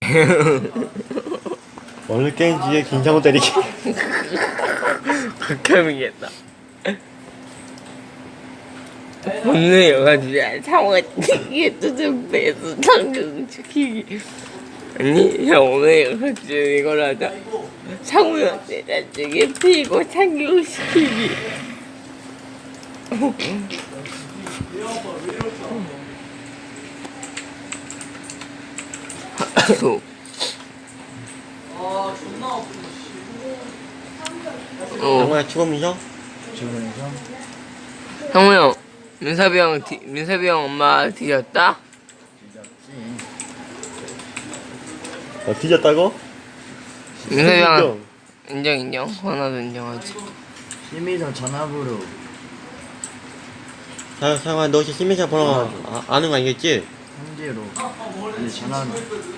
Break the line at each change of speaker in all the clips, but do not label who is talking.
오늘 게임지에 김상우 때리기.
극혐이겠다. 오늘 영화주야 상어 튀기에 뜯은 배에서 당근 시키기. 아니 형 오늘 영화주 이걸 하자. 상우한테 나중에 피고 참기고 시키기.
정말 죽음이죠?
주문에서
형우 형, 민섭이 형 엄마 뒤졌다?
뒤졌지.
뒤졌다고?
민섭이 형 인정. 하나도 인정하지.
심의서 전화부로
상아 너 혹시 시민사 번호 아는 거 아니겠지?
현재로 근데 전화는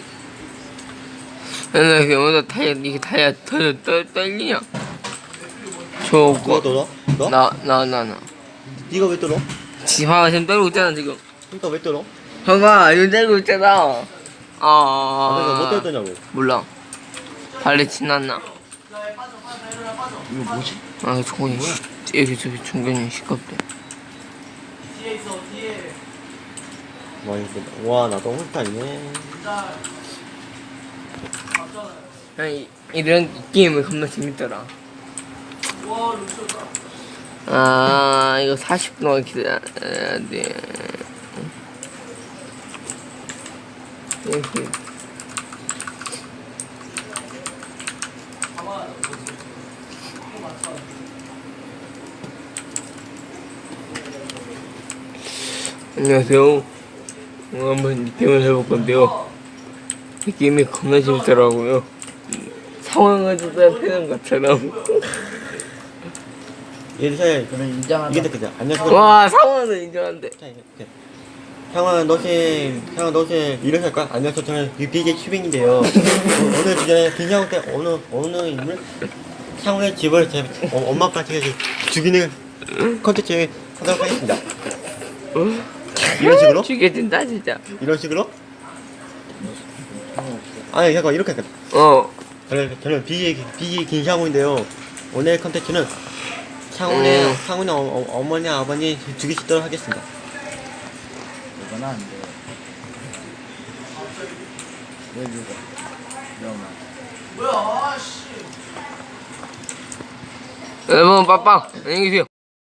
근데 오늘 이게 타이어 떨리냐?
누가
저거
떨어? 너?
나
네가 왜 떨어?
지화가 지금 떨고 있잖아 지금.
그러니까 왜 떨어?
형아 이거 떨고 있잖아.
내가 못 떨었냐고.
몰라. 발레 지났나?
이거 뭐지?
아 종근이 여기 저기 종근이 시끄럽대.
와 나도 홀타이네.
아니 이런 게임은 겁나 재밌더라. 아 이거 40분 기다려야 돼. 이렇게. 안녕하세요. 오늘 한번 이 게임을 해볼 건데요. 이 게임이 겁나 재밌더라고요. 상황을 대답하는 것처럼.
얘들
그럼 인정한다.
이게 됐거든. 안녕하세요.
와 상황은 인정한데.
형아 너시 이런 할 거야? 안녕하세요. 저는 BJ 슈빙인데요. 오늘 주제는 김상우 때 어느 인물 상우의 집을 제 엄마 아빠한테 죽이는 컨텐츠 하도록 하겠습니다. 이런 식으로?
죽여준다 진짜.
이런 식으로? 아니 잠깐 이렇게 할까? 저는 BJ 김상우인데요. 오늘 컨텐츠는 상우의 어머니 아버니 죽이시도록 하겠습니다.
이건 안 돼. 왜 죽어? 위험한.
여러분 빠빵 안녕히 계세요.